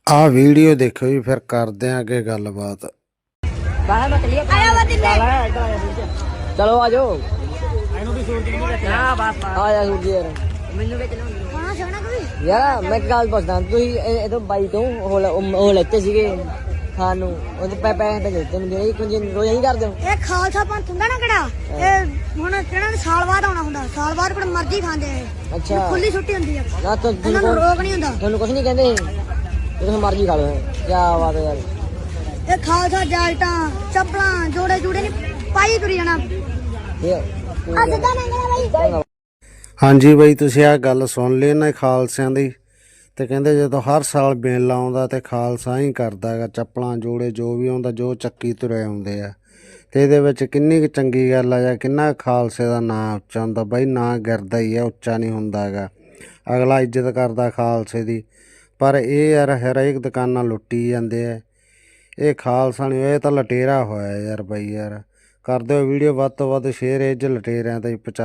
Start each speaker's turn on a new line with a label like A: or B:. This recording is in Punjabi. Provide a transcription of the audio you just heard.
A: ਆ ਵੀਡੀਓ ਦੇਖੋ ਜੀ, ਫਿਰ ਕਰਦੇ ਆਂ ਅੱਗੇ ਗੱਲਬਾਤ।
B: ਚਲੋ ਆ ਜਾਓ। ਆ ਜਾ ਸੂਰਜ ਯਾਰ, ਯਾਰ ਮੈਂ ਇੱਕ ਗੱਲ ਪੁੱਛਦਾ, ਤੁਸੀਂ ਇਹ ਬਾਈ ਤੋਂ ਉਹ ਲੈਤੇ ਸੀਗੇ ਖਾਣ ਨੂੰ, ਉਹਦੇ ਪੈਸੇ ਤਾਂ ਤੈਨੂੰ ਦੇ ਕੁਝ ਰੋਜ਼ ਨਹੀਂ ਕਰਦੇ ਹੋ?
C: ਇਹ ਖਾਲਸਾ ਪੰਥ ਹੁੰਦਾ ਨਾ ਕਿਹੜਾ, ਇਹ ਹੁਣ ਕਿਹੜਾ ਸਾਲ ਬਾਅਦ ਆਉਣਾ ਹੁੰਦਾ, ਸਾਲ ਬਾਅਦ ਪਰ ਮਰਜ਼ੀ ਖਾਂਦੇ ਆ।
B: ਅੱਛਾ,
C: ਖੁੱਲੀ ਛੁੱਟੀ ਹੁੰਦੀ ਆ,
B: ਨਾ
C: ਇਹਨਾਂ ਨੂੰ ਰੋਕ ਨਹੀਂ ਹੁੰਦਾ।
B: ਤੁਹਾਨੂੰ ਕੁਝ ਨਹੀਂ ਕਹਿੰਦੇ, ਤੁਸੀਂ ਮਰਜ਼ੀ ਖਾ ਲਓ। ਕਿਆ ਬਾਤ ਹੈ ਯਾਰ,
C: ਇਹ ਖਾਲਸਾ ਜੈਕਟਾਂ ਚੱਪਲਾਂ ਜੋੜੇ ਜੂੜੇ ਨਹੀਂ ਪਾਈ ਤੁਰੀ ਜਾਣਾ। ਸਿੱਧਾ ਮੰਗਣਾ ਬਾਈ।
A: ਹਾਂਜੀ ਬਾਈ, ਤੁਸੀਂ ਆ ਗੱਲ ਸੁਣ ਲਈ ਨਾ ਖਾਲਸਿਆਂ ਦੀ। ਤੇ ਕਹਿੰਦੇ ਜਦੋਂ ਹਰ ਸਾਲ ਮੇਲਾ ਆਉਂਦਾ ਤੇ ਖਾਲਸਾ ਹੀ ਕਰਦਾ ਹੈਗਾ, ਚੱਪਲਾਂ ਜੋੜੇ ਜੋ ਵੀ ਆਉਂਦਾ, ਜੋ ਚੱਕੀ ਤੁਰੇ ਆਉਂਦੇ ਆ। ਤੇ ਇਹਦੇ ਵਿੱਚ ਕਿੰਨੀ ਕੁ ਚੰਗੀ ਗੱਲ ਆ, ਜਾਂ ਕਿੰਨਾ ਖਾਲਸੇ ਦਾ ਨਾਂ ਉੱਚਾ ਹੁੰਦਾ ਬਾਈ। ਨਾਂ ਗਿਰਦਾ ਹੀ ਆ, ਉੱਚਾ ਨਹੀਂ ਹੁੰਦਾ ਹੈਗਾ। ਅਗਲਾ ਇੱਜ਼ਤ ਕਰਦਾ ਖਾਲਸੇ ਦੀ। ਪਰ ਇਹ ਯਾਰ ਹਰੇਕ ਦੁਕਾਨਾਂ ਲੁੱਟੀ ਜਾਂਦੇ ਆ। ਇਹ ਖਾਲਸਾ ਨਹੀਂ, ਇਹ ਤਾਂ ਲਟੇਰਾ ਹੋਇਆ ਯਾਰ ਬਾਈ। ਯਾਰ ਕਰ ਦਿਓ ਵੀਡੀਓ ਵੱਧ ਤੋਂ ਵੱਧ ਸ਼ੇਅਰ, ਇਹ 'ਚ ਲਟੇਰਿਆਂ ਤਾਂ ਹੀ